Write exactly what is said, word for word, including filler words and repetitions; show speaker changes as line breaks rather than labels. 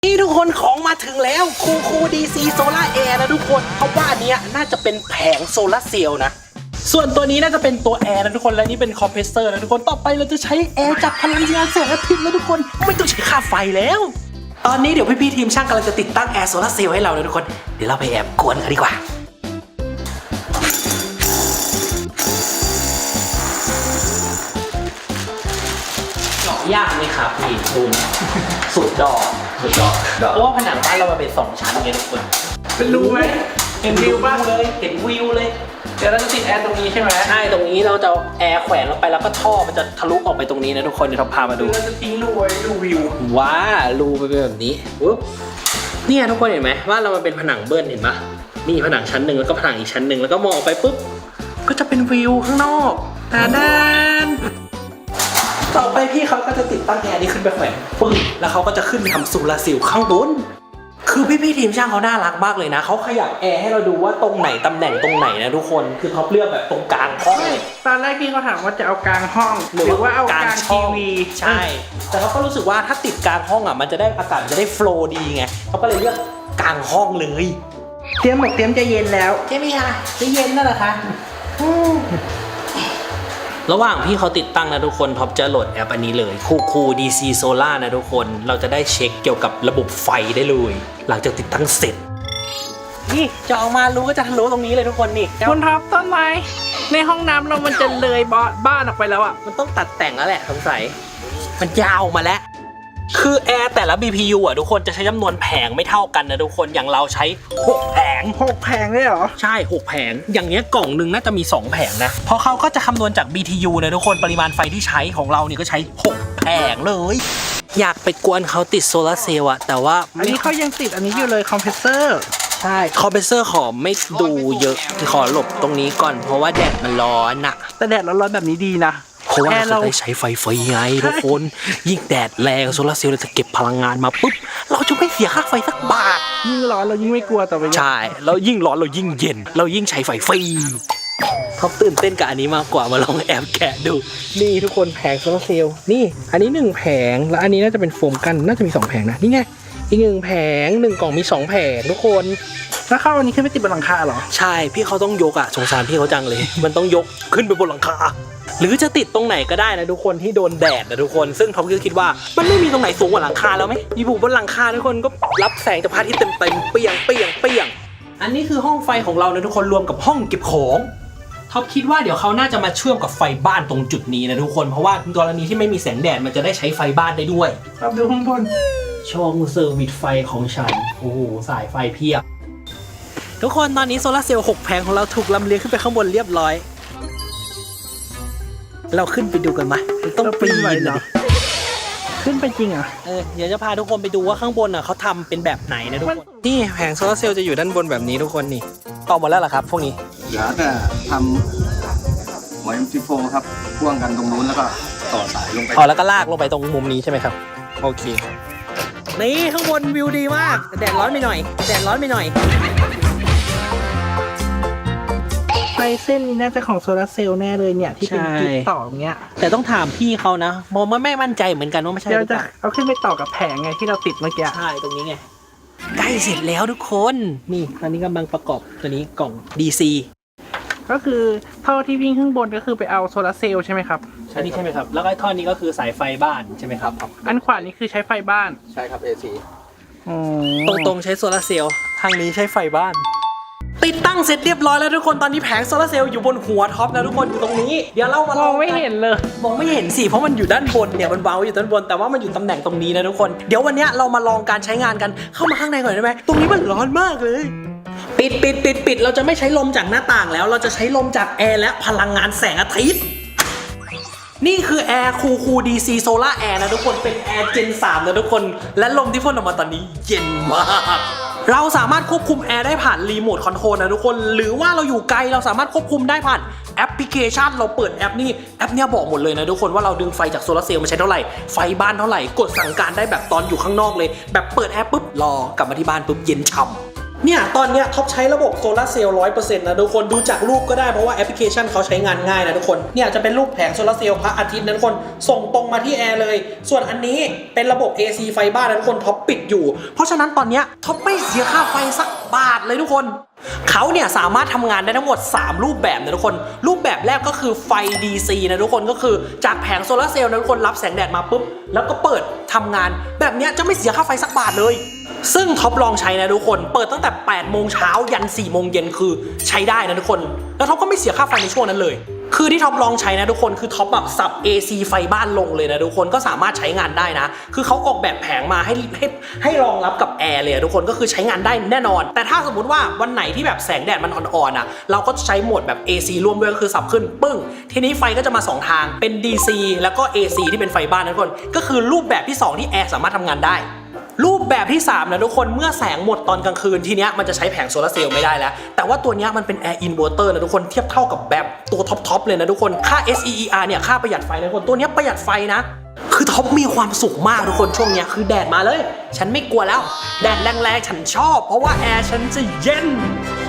นี่ทุกคนของมาถึงแล้วคูคูดีซีโซล่าแอร์นะทุกคนเพราะว่าอันเนี้ยน่าจะเป็นแผงโซล่าเซลล์นะส่วนตัวนี้น่าจะเป็นตัวแอร์นะทุกคนและนี่เป็นคอมเพรสเซอร์นะทุกคนต่อไปเราจะใช้แอร์จากพลังงานแสงอาทิตย์แล้วทุกคนไม่ต้องใช้ค่าไฟแล้วตอนนี้เดี๋ยวพี่ๆทีมช่างกำลังจะติดตั้งแอร์โซล่าเซลล์ให้เรานะทุกคนเดี๋ยวเราไปแอบกวนกันดีกว่าเจาะยากไหมครับพี่ดูสุดดอกสุดดอกเพราะว่าผนังบ้านเรามันเป็นสองชั้นไงทุกคน
เป็นรูไหมเห็นวิวป่ะ
เลยเห็นวิวเลย
เดี๋ยวเราจะติดแอร์ตรงนี้ใช่ไหม
ใช่ตรงนี้เราจะแอร์แขวนลงไปแล้วก็ท่อมันจะทะลุออกไปตรงนี้นะทุกคนเดี๋ยวเราพามาดู
เราจะทิ้งรูไว้ดูวิว
ว้ารูไปเป็นแบบนี้ปุ๊บเนี่ยทุกคนเห็นไหมว่าเรามันเป็นผนังเบิ้ลเห็นปะนี่ผนังชั้นหนึ่งแล้วก็ผนังอีกชั้นหนึ่งแล้วก็มองไปปุ๊บก็จะเป็นวิวข้างนอกตาด้านต่อไปพี่เขาก็จะติดตั้งแอร์นี้ขึ้นไปแขวนปึ้งแล้วเขาก็จะขึ้นไปทำโซลาร์เซลล์ข้างบนคือพี่ๆทีมช่างเขาน่ารักมากเลยนะเขาขยับแอร์ให้เราดูว่าตรงไหนตำแหน่งตรงไหนนะทุกคนคือเขาเลือกแบบตรงกลางห้อง
ตอนแรกพี่เขาถามว่าจะเอากลางห้องหรือว่าเอากลางทีวี
ใช่แต่เขาก็รู้สึกว่าถ้าติดกลางห้องอ่ะมันจะได้อากาศจะได้โฟลว์ดีไงเขาก็เลยเลือกกลางห้องเลย
เตรียมหมกเตรียมจะเย็นแล้ว
ใช่ไหมคะจะเย็นนั่นแหละคะระหว่างพี่เขาติดตั้งนะทุกคนท็อปจะโหลดแอปอันนี้เลยคูคู ดี ซี Solar นะทุกคนเราจะได้เช็คเกี่ยวกับระบบไฟได้เลยหลังจากติดตั้งเสร็จนี่จะออกมารู้ก็จะทะลุตรงนี้เลยทุกคนนี่
คุณท็อปต้นไม้ในห้องน้ำเรามันจะเลยบ้านออกไปแล้วอ่ะ
มันต้องตัดแต่งแล้วแหละสงสัยมันยาวมาแล้วคือแอร์แต่ละ บี พี ยู อ่ะทุกคนจะใช้จำนวนแผงไม่เท่ากันนะทุกคนอย่างเราใช้หกแผง
หกแผงเลยเหรอ
ใช่หกแผงอย่างเนี้ยกล่องหนึ่งน่าจะมีสองแผงนะเพราะเขาก็จะคำนวณจาก บี ที ยู นะทุกคนปริมาณไฟที่ใช้ของเราเนี่ยก็ใช้หกแผงเลยอยากไปกวนเขาติดโซลาร์เซลล์อะแต่ว่า
อันนี้เขายังติดอันนี้อยู่เลยคอมเพรสเซอร์
ใช่คอมเพรสเซอร์ขอไม่ดูเยอะขอหลบตรงนี้ก่อนเพราะว่าแดดมันร้อนอะ
แต่แดดร้อนๆแบบนี้ดีนะ
เพราะว่าเราจะได้ใช้ไฟฟรีไงทุกคนยิ่งแดดแรงโซลาร์เซลล์เราจะเก็บพลังงานมาปุ๊บเราจะไม่เสียค่าไฟสักบาท
ยิ่งร้อนเรายิ่งไม่กลัวต่อไป
ใช่แล้วยิ่งร้อนเรายิ่งเย็นเรายิ่งใช้ไฟฟรีเขาตื่นเต้นกับอันนี้มากกว่ามาลองแอบแกะดูนี่ทุกคนแผงโซลาร์เซลล์นี่อันนี้หนึ่งแผงแล้วอันนี้น่าจะเป็นโฟมกันน่าจะมีสองแผงนะนี่ไงอีกหนึ่งแผงหนึ่งกล่องมีสองแผงทุกคน
แล้วเข้าอันนี้ขึ้นไปติดบนหลังคาเหรอ
ใช่พี่เขาต้องยกอะสงสารพี่เขาจังเลยมันต้องยกขึ้นไปบนหลังคาหรือจะติดตรงไหนก็ได้นะทุกคนที่โดนแดดนะทุกคนซึ่งท็อปก็คิดว่ามันไม่มีตรงไหนสูงกว่าหลังคาแล้วไหมอยู่บนหลังคาทุกคนก็รับแสงจากพระอาทิตย์เต็มเต็มเปียงเปียงเปียงอันนี้คือห้องไฟของเรานะทุกคนรวมกับห้องเก็บของท็อปคิดว่าเดี๋ยวเขาน่าจะมาเชื่อมกับไฟบ้านตรงจุดนี้นะทุกคนเพราะว่ากรณีที่ไม่มีแสงแดดมันจะได้ใช้ไฟบ้านได้ด้วย
ครับดูข้างบน
ช่องเซอร์วิสไฟของฉันโอ้โหสายไฟเพียบทุกคนตอนนี้โซลาร์เซลล์หกแผงของเราถูกลำเลียงขึ้นไปข้างบนเรียบร้อยเราขึ้นไปดูกันไหมต้องปีนเหรอ
ขึ้นไปจริงอ่ะ
เออเดี๋ยวจะพาทุกคนไปดูว่าข้างบนอ่ะเขาทำเป็นแบบไหนนะทุกคนนี่แผงโซลาร์เซลล์จะอยู่ด้านบนแบบนี้ทุกคนนี่ต่อหมดแล้วเหรอครับพวกนี้
เหลือแต่ทำหัว เอ็ม ที โฟร์ ครับพ่วงกันตรงนู้นแล้วก็ต่อสายลงไป
อ๋อแล้วก็ลากลงไปตรงมุมนี้ใช่ไหมครับโอเคนี่ข้างบนวิวดีมากแดดร้อนไปหน่อยแดดร้อนไปหน่อย
ไฟเส้นนี้น่าจะของโซลาร์เซลล์แน่เลยเนี่ยที่เป็นจุดต่ออย่างเงี้ย
แต่ต้องถามพี่เขานะมองไม่มั่นใจเหมือนกันว่าไม่ใช่
เดี๋ยวจะเอาขึ้นไปต่อกับแผงไงที่เราติดเมื่อกี้
ใช่ตรงนี้ไงใกล้เสร็จแล้วทุกคนนี่ตอนนี้กำลังประกอบตัวนี้กล่อง ดี ซี
ก็คือท่อที่วิ่งข้างบนก็คือไปเอาโซลาร์เซลล์ใช่ไหมครับ
ใช่นี่ใช่ไหมครับแล้วก็ท่อนี้ก็คือสายไฟบ้านใช่ไหมครับ
อันขวานี้คือใช้ไฟบ้าน
ใช่ครับ เอ ซี
ตรงตรงใช้โซลาร์เซลล์ทางนี้ใช้ไฟบ้านติดตั้งเสร็จเรียบร้อยแล้วทุกคนตอนนี้แผงโซลาร์เซลล์อยู่บนหัวท็อปนะทุกคนอยู่ตรงนี้เดี๋ยวเรามาลอง
ไม่เห็นเลย
มองไม่เห็นสิเพราะมันอยู่ด้านบนเนี่ยมันวางอยู่ด้านบนแต่ว่ามันอยู่ตำแหน่งตรงนี้นะทุกคนเดี๋ยววันนี้เรามาลองการใช้งานกันเข้ามาข้างในก่อนได้ไหมตรงนี้มันร้อนมากเลยปิดปิดปิดปิดเราจะไม่ใช้ลมจากหน้าต่างแล้วเราจะใช้ลมจากแอร์และพลังงานแสงอาทิตย์นี่คือแอร์คูคู ดี ซี Solar Air นะทุกคนเป็นแอร์เจนสามนะทุกคนและลมที่พ่นออกมาตอนนี้เย็นมากเราสามารถควบคุมแอร์ได้ผ่านรีโมทคอนโทรลนะทุกคนหรือว่าเราอยู่ไกลเราสามารถควบคุมได้ผ่านแอปพลิเคชันเราเปิดแอปนี่แอปเนี้ยบอกหมดเลยนะทุกคนว่าเราดึงไฟจากโซลาร์เซลล์มาใช้เท่าไหร่ไฟบ้านเท่าไหร่กดสั่งการได้แบบตอนอยู่ข้างนอกเลยแบบเปิดแอปปุ๊บรอกลับมาที่บ้านปุ๊บเย็นฉ่ำเนี่ยตอนเนี้ยท็อปใช้ระบบโซลาร์เซลล์ร้อยเปอร์เซ็นต์นะทุกคนดูจากรูปก็ได้เพราะว่าแอปพลิเคชันเขาใช้งานง่ายนะทุกคนเนี่ยจะเป็นรูปแผงโซลาร์เซลล์พระอาทิตย์นะทุกคนส่งตรงมาที่แอร์เลยส่วนอันนี้เป็นระบบ เอ ซี ไฟบ้านนะทุกคนท็อปปิดอยู่เพราะฉะนั้นตอนเนี้ยท็อปไม่เสียค่าไฟสักบาทเลยทุกคนเขาเนี่ยสามารถทำงานได้ทั้งหมดสามรูปแบบนะทุกคนรูปแบบแรกก็คือไฟ ดี ซี นะทุกคนก็คือจากแผงโซลาร์เซลล์นะทุกคนรับแสงแดดมาปุ๊บแล้วก็เปิดทำงานแบบเนี้ยจะไม่เสียค่าไฟสักบาทเลยซึ่งท็อปลองใช้นะทุกคนเปิดตั้งแต่แปดโมงเช้ายันสี่โมงเย็นคือใช้ได้นะทุกคนแล้วท็อปก็ไม่เสียค่าไฟในช่วงนั้นเลยคือที่ท็อปลองใช้นะทุกคนคือท็อปแบบสับ เอ ซี ไฟบ้านลงเลยนะทุกคนก็สามารถใช้งานได้นะคือเขาออกแบบแผงมาให้ให้ให้รองรับกับแอร์เลยทุกคนก็คือใช้งานได้แน่นอนแต่ถ้าสมมุติว่าวันไหนที่แบบแสงแดดมันอ่อนๆอ่ะเราก็ใช้โหมดแบบ เอ ซี ร่วมด้วยก็คือสับขึ้นปึ้งทีนี้ไฟก็จะมาสองทางเป็น ดี ซี แล้วก็ เอ ซี ที่เป็นไฟบ้านนะทุกคนก็คือรูปแบบที่สองที่แอร์สามารถทำงานได้รูปแบบที่สามนะทุกคนเมื่อแสงหมดตอนกลางคืนทีเนี้ยมันจะใช้แผงโซลาร์เซลล์ไม่ได้แล้วแต่ว่าตัวเนี้ยมันเป็นแอร์อินเวอร์เตอร์นะทุกคนเทียบเท่ากับแบบตัวท็อปๆเลยนะทุกคนค่า เอส อี อี อาร์ เนี่ยค่าประหยัดไฟนะทุกคนตัวเนี้ยประหยัดไฟนะคือท็อปมีความสุขมากทุกคนช่วงเนี้ยคือแดดมาเลยฉันไม่กลัวแล้วแดดแรงๆฉันชอบเพราะว่าแอร์ฉันจะเย็น